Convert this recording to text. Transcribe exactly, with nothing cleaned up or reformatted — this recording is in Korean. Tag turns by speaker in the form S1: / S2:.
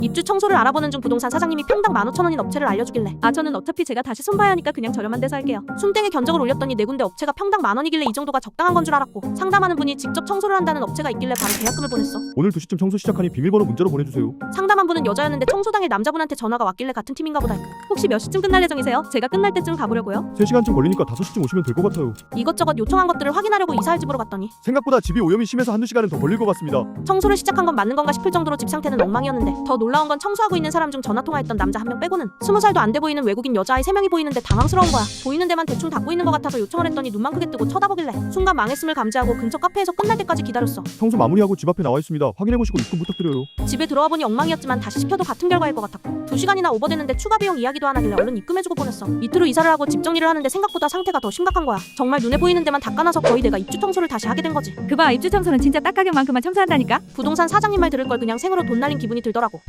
S1: 입주 청소를 알아보는 중 부동산 사장님이 평당 만 오천 원인 업체를 알려주길래 아 저는 어차피 제가 다시 손봐야 하니까 그냥 저렴한 데서 할게요. 순땡에 견적을 올렸더니 네 군데 업체가 평당 만 원이길래 이 정도가 적당한 건 줄 알았고 상담하는 분이 직접 청소를 한다는 업체가 있길래 바로 계약금을 보냈어.
S2: 오늘 두 시쯤 청소 시작하니 비밀번호 문자로 보내주세요.
S1: 상담한 분은 여자였는데 청소당일 남자분한테 전화가 왔길래 같은 팀인가 보다 했고 혹시 몇 시쯤 끝날 예정이세요? 제가 끝날 때쯤 가보려고요.
S2: 세 시간쯤 걸리니까 다섯 시쯤 오시면 될 것 같아요.
S1: 이것저것 요청한 것들을 확인하려고 이사할 집으로 갔더니
S2: 생각보다 집이 오염이 심해서 한두 시간은 더 걸릴 것 같습니다.
S1: 청소를 시작한 건 맞는 건가 싶을 정도로 집 상태는 엉망이었는데 더 놀라운 건 청소하고 있는 사람 중 전화통화했던 남자 한 명 빼고는 스무 살도 안 돼 보이는 외국인 여자아이 세 명이 보이는데 당황스러운 거야. 보이는 데만 대충 닦고 있는 것 같아서 요청을 했더니 눈만 크게 뜨고 쳐다보길래 순간 망했음을 감지하고 근처 카페에서 끝날 때까지 기다렸어.
S2: 청소 마무리하고 집 앞에 나와 있습니다. 확인해보시고 입금 부탁드려요.
S1: 집에 들어와 보니 엉망이었지만 다시 시켜도 같은 결과일 것 같았고 두 시간이나 오버됐는데 추가 비용 이야기도 안 하길래 얼른 입금해주고 보냈어. 이틀 후 이사를 하고 집 정리를 하는데 생각보다 상태가 더 심각한 거야. 정말 눈에 보이는 데만 닦아놔서 거의 내가 입주 청소를 다시 하게 된 거지.
S3: 그봐 입주 청소는 진짜 딱 가격만큼만 청소한다니까.
S1: 부동산 사장님 말 들을 걸 그냥 생으로 돈 날린 기분이 들더라고.